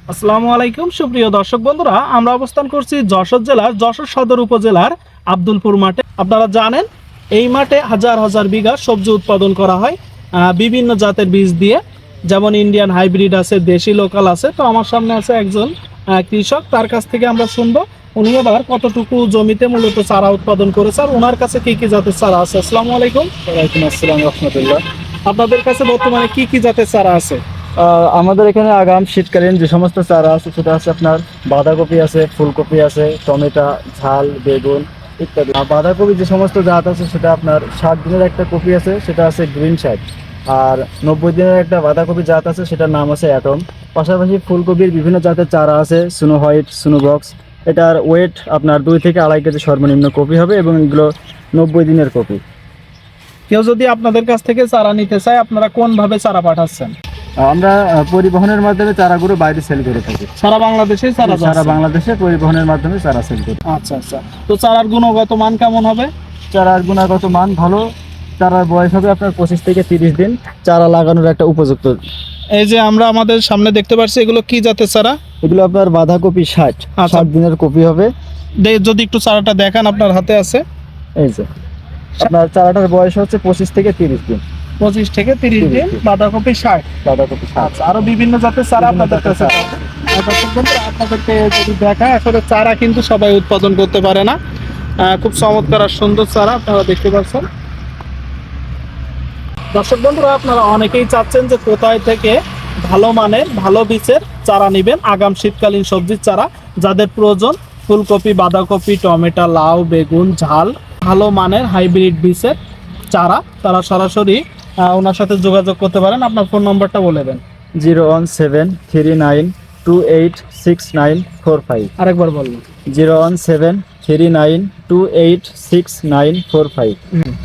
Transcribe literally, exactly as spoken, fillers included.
আসসালামু আলাইকুম সুপ্রিয় দর্শক বন্ধুরা, আমরা অবস্থান করছি যশোর জেলার যশোর সদর উপজেলার আব্দুলপুর মাঠে। আপনারা জানেন এই মাঠে হাজার হাজার বিঘা সবজি উৎপাদন করা হয় আহ, বিভিন্ন জাতের বীজ দিয়ে, যেমন ইন্ডিয়ান হাইব্রিড আছে, দেশি লোকাল আছে। তো আমার সামনে আছে একজন আহ, কৃষক, তার কাছ থেকে আমরা শুনবো উনি এবার কতটুকু জমিতে মূলত চারা উৎপাদন করেছে আর ওনার কাছে কি কি জাতের চারা আছে। আসসালামু আলাইকুম। ওয়ালাইকুম আসসালাম রহমতুল্লাহ। আপনাদের কাছে বর্তমানে কি কি জাতের চারা আছে? আমাদের এখানে আগাম শীতকালীন যে সমস্ত চারা আছে সেটা আছে আপনার বাঁধাকপি আছে, ফুলকপি আছে, টমেটো, ঝাল, বেগুন ইত্যাদি। আর বাঁধাকপি যে সমস্ত জাত আছে সেটা আপনার ষাট দিনের একটা কপি আছে, সেটা আছে গ্রিন শার্ট। আর নব্বই দিনের একটা বাঁধাকপি জাত আছে, সেটার নাম আছে অ্যাটম। পাশাপাশি ফুলকপির বিভিন্ন জাতের চারা আছে, সুনো হোয়াইট, সুনো বক্স। এটার ওয়েট আপনার দুই থেকে আড়াই কেজি সর্বনিম্ন কপি হবে এবং এগুলো নব্বই দিনের কপি। কেউ যদি আপনাদের কাছ থেকে চারা নিতে চায়, আপনারা কোন ভাবে চারা পাঠাচ্ছেন? আমরা আহ, পরিবহনের মাধ্যমে চারাগুলো বাইরে সেল করে থাকি। সারা বাংলাদেশেই চারা সারা যাচ্ছে? বাংলাদেশে পরিবহনের মাধ্যমে চারা সেল করি। আচ্ছা আচ্ছা। তো চারার গুণগত মান কেমন হবে? চারার গুণগত মান ভালো। চারার বয়স হবে আপনার পঁচিশ থেকে তিরিশ দিন, চারা লাগানোর একটা উপযুক্ত। এই যে আমরা আমাদের সামনে দেখতে পাচ্ছি, এগুলো কি জাতের চারা? এগুলো আপনার বাঁধাকপি ষাট আচ্ছা। ষাট দিনের কপি হবে। দে- যদি একটু চারাটা দেখান, আপনার হাতে আছে। এই যে আপনার চারাটার বয়স হচ্ছে পঁচিশ থেকে তিরিশ দিন। পঁচিশ থেকে তিরিশ তিরিশ দিন, দিন। বাঁধাকপি ষাট। বাঁধাকপি ষাট। আচ্ছা, আরো বিভিন্ন জাতের চারা বিভিন্ন আপনাদের জাতের কাছে চারা। পাবেন। আর দর্শক বন্ধুরা, আপনাদেরকে যদি দেখায়, আসলে চারা কিন্তু সবাই উৎপাদন করতে পারে না। আহ, খুব চমৎকার আর সুন্দর চারা আপনারা দেখতে পাচ্ছেন। দর্শক বন্ধুরা, আপনারা অনেকেই চাচ্ছেন যে কোথায় থেকে ভালো মানের ভালো বীজের চারা নেবেন আগাম শীতকালীন সবজির চারা। যাদের প্রয়োজন ফুলকপি, বাঁধাকপি, টমেটো, লাউ, বেগুন, ঝাল, ভালো মানের হাইব্রিড বীজের চারা, তারা সরাসরি আহ, ওনার সাথে যোগাযোগ করতে পারেন। আপনার ফোন নম্বরটা বলে দেন। Zero one seven three nine two eight six nine four five. আরেকবার বলবেন। Zero one seven three nine two eight six nine four five.